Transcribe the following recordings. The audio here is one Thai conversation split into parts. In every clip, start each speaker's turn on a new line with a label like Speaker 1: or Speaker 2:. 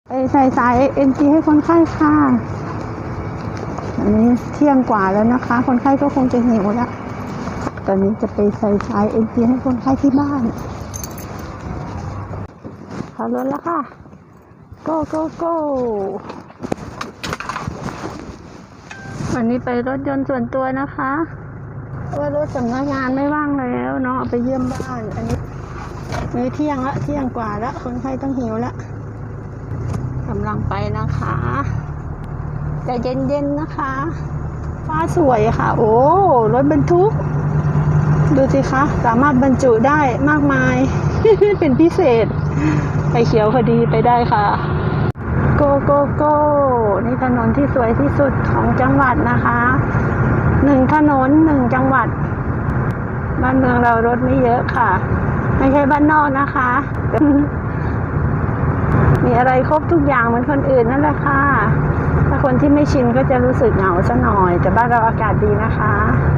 Speaker 1: ใส่สาย NG ให้คนไข้ค่ะอันนี้เที่ยงกว่าแล้วนะคะคนไข้ก็คงจะหิวแล้วตอนนี้จะไปใส่สาย NG ให้คนไข้ที่บ้านขับรถแล้วค่ะ go go go วันนี้ไปรถยนต์ส่วนตัวนะคะเพราะว่ารถสำนักงานไม่ว่างแล้วเนาะไปเยี่ยมบ้านอันนี้มื้อเที่ยงละเที่ยงกว่าแล้วคนไข้ต้องหิวแล้วกำลังไปนะคะแต่เย็นๆนะคะฟ้าสวยค่ะโอ้รถบรรทุกดูสิคะสามารถบรรจุได้มากมาย เป็นพิเศษไฟเขียวพอดีไปได้ค่ะโกโกโกนี่ถนนที่สวยที่สุดของจังหวัดนะคะ1 ถนน 1 จังหวัดบ้านเมืองเรารถไม่เยอะค่ะไม่ใช่บ้านนอกนะคะ มีอะไรครบทุกอย่างเหมือนคนอื่นนั่นแหละค่ะถ้าคนที่ไม่ชินก็จะรู้สึกเหงาซะหน่อยแต่บ้านเราอากาศดีนะคะ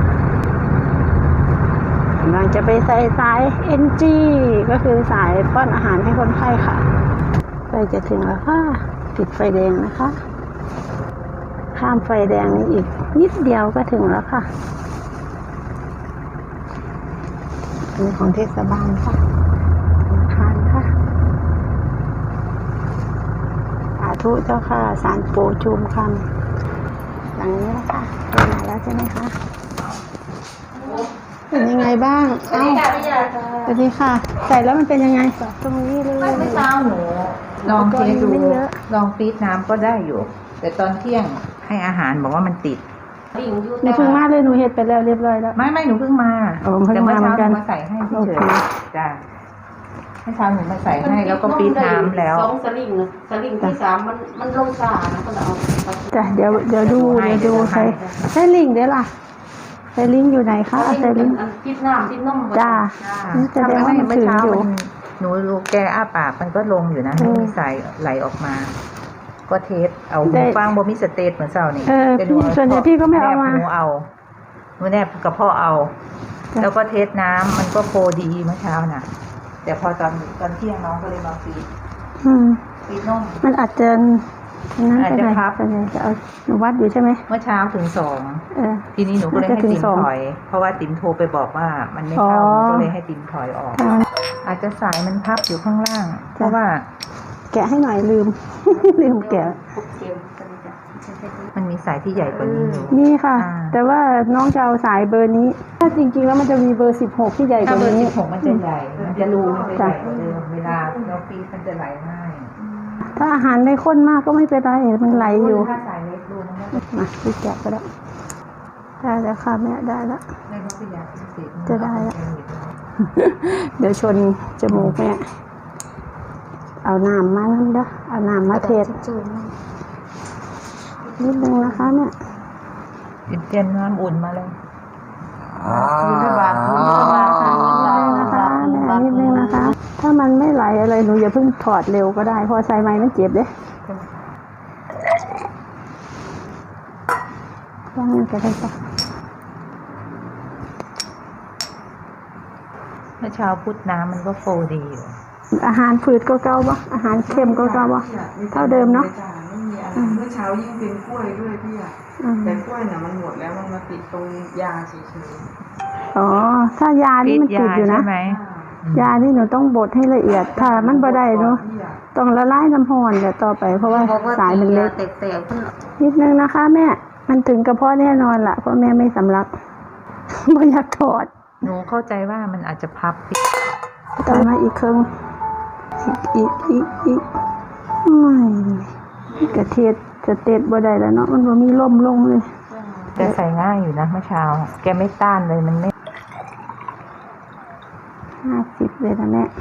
Speaker 1: กำลังจะไปใส่สาย NG ก็คือสายป้อนอาหารให้คนไข้ค่ะใกล้จะถึงแล้วค่ะติดไฟแดงนะคะข้ามไฟแดงนี้อีกนิดเดียวก็ถึงแล้วค่ะอันนี้ของเทศบาลค่ะทานค่ะสาธุเจ้าค่ะศาลปู่ชุมคำหลังนี้แล้วค่ะไปไหนแล้วใช่ไหมคะเป็นยังไงบ้างสวัสดีค่ะพี่ยาสวัสดีค่ะใส่แล้วมันเป็นยังไงตรงนี้เลย
Speaker 2: ไม่เช้าหนูลองเทดูลองฟีดน้ำก็ได้อยู่แต่ตอนเที่ยงให้อาหารบอกว่ามันติด
Speaker 1: หนูเพิ่งมาเลยหนูเห็ดไปแล้วเรียบร้อยแล้ว
Speaker 2: ไม่หนูเพิ่งมาแต่เมื่อเช้าหนูมาใส่ให้เฉยๆจ้ะเมื่อเช้าหนูมาใส่ให้แล้วก็ฟีดน้ำแล้ว
Speaker 3: 2 สลิงที่ 3มันลงสานะก็เอา
Speaker 1: จ้ะเดี๋ยวดูใช้ลิงเดี๋ยวล่ะใช้ลิงอยู่ไหนคะใช้ลิง
Speaker 3: พิษน้ำพิษนม
Speaker 1: จ้าจะได้ว่ามันถึงอยู่
Speaker 2: หนูดูแกอ้าปากมันก็ลงอยู่นะไม่มีสายไหลออกมาก็เทสเอาหูฟังบ่มีสเตทเหมือนเช้านี่
Speaker 1: เป็นส่วนใหญ่พี่ก็ไม่เอามา
Speaker 2: หนูแนบกระเพาะเอาแล้วก็เทสน้ำมันก็โฟดีเมื่อเช้าน่ะแต่พอตอนเที่ยงน้องก็เลยมาฟีดนม
Speaker 1: มันอาจจะพับจะเอาหนูวัดอยู่ใช่ไหม
Speaker 2: เมื่อเช้าถึง2ทีนี้หนูก็เลยให้ติ๋มถอยเพราะว่าติ๋มโทรไปบอกว่ามันไม่เข้าก็เลยให้ติ๋มถอยออกอาจจะสายมันพับอยู่ข้างล่างเพราะว่า
Speaker 1: แกะให้หน่อยลืมแกะ
Speaker 2: มันมีสายที่ใหญ่กว่านี้อยู่
Speaker 1: นี่ค่ะแต่ว่าน้องจะเอาสายเบอร์นี้ถ้าจริงๆแล้วมันจะมีเบอร์16ที่ใหญ่กว่านี้
Speaker 2: ถ้าเบอร์16มันจะใหญ่มันจะรูมันจะใหญ่กว่าเดิมเวลาเราฟีดมันจะไหลง่าย
Speaker 1: ถ้าอาหารไม่ข้นมากก็ไม่เป็นไรมันไหลอยู่
Speaker 2: ถ้าสายเล็กรูมันก็
Speaker 1: มาพี่แกะก็ได้แล้วค่ะแม่ได้แล้วจะได้แล้วเดี๋ยวชนจมูกแม่เอาน้ำมานั่นเด้อเอาน้ำมาเทศนิดนึงนะคะเนี่ย
Speaker 2: เตรียมน้ำอุ่นมาเลย
Speaker 3: นิดนึง
Speaker 1: นะคะถ้ามันไม่ไหลอะไรหนูอย่าเพิ่งถอดเร็วก็ได้เพราะใส่ไม้มันเจ็บเด้ว่างกันได้ปะ
Speaker 2: เมื่อเช้าพุทธน้ำมันก็โฟดีอยู่
Speaker 1: อาหารฝืดก็เก่าปะอาหารเค็มก็เก่าปะเท่าเดิมเนาะ
Speaker 3: เมื่อเช้ายิ่งเป็นกล้วยด้วยพี่อ่ะแต่กล้วยเนี่ยมันหมดแล้วมันมาติดตรงยาเฉย
Speaker 1: ๆอ๋อถ้ายานี่มันติดอยู่นะยานี่หนูต้องบดให้ละเอียดถ้ามันบ่ได้เนาะต้องละลายน้ำร้อนเดี๋ยวต่อไปเพราะว่าสายมันเล็กนิดนึงนะคะแม่มันถึงกระเพาะแน่นอนล่ะเพราะแม่ไม่สำลักไม่อยากถอด
Speaker 2: หนูเข้าใจว่ามันอาจจะพับ
Speaker 1: ต่อมาอีกครึ่งอีกไม่กระเทียดจะเตะบ่ได้แล้วเนาะมันบ่มีล่มลงเลย
Speaker 2: แต่ใส่ง่ายอยู่นะเมื่อเช้าแกไม่ต้านเลยมันไม่
Speaker 1: 50เลยนะแม่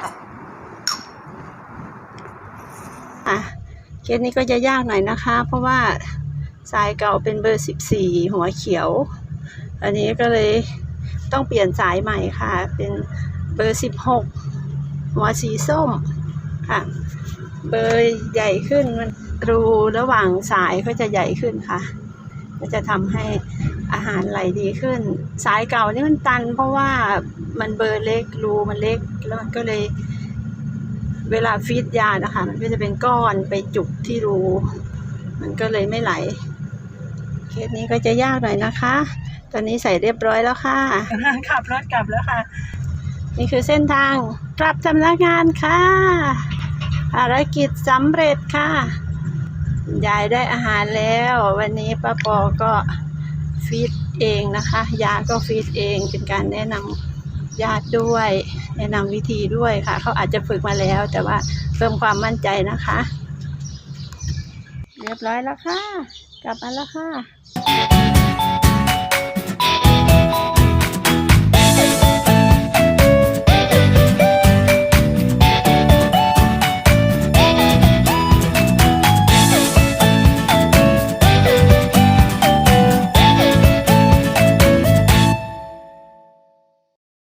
Speaker 1: เคสนี้ก็จะยากหน่อยนะคะเพราะว่าสายเก่าเป็นเบอร์14หัวเขียวอันนี้ก็เลยต้องเปลี่ยนสายใหม่ค่ะเป็นเบอร์16หัวสีส้มค่ะเบอร์ใหญ่ขึ้นมันรูระหว่างสายก็จะใหญ่ขึ้นค่ะก็จะทำให้อาหารไหลดีขึ้นสายเก่านี่มันตันเพราะว่ามันเบอร์เล็กรูมันเล็กแล้วมันก็เลยเวลาฟีดยานะคะมันก็จะเป็นก้อนไปจุกที่รูมันก็เลยไม่ไหลเคสนี้ก็จะยากหน่อยนะคะ ตอนนี้ใส่เรียบร้อยแล้วค่ะ ขับรถกลับแล้วค่ะ นี่คือเส้นทางกลับสำนักงานค่ะภารกิจสำเร็จค่ะยายได้อาหารแล้ววันนี้ป้าปอก็ฟีดเองนะคะยาก็ฟีดเองเป็นการแนะนำญาติด้วยแนะนำวิธีด้วยค่ะเขาอาจจะฝึกมาแล้วแต่ว่าเพิ่มความมั่นใจนะคะเรียบร้อยแล้วค่ะกลับมาแล้วค่ะ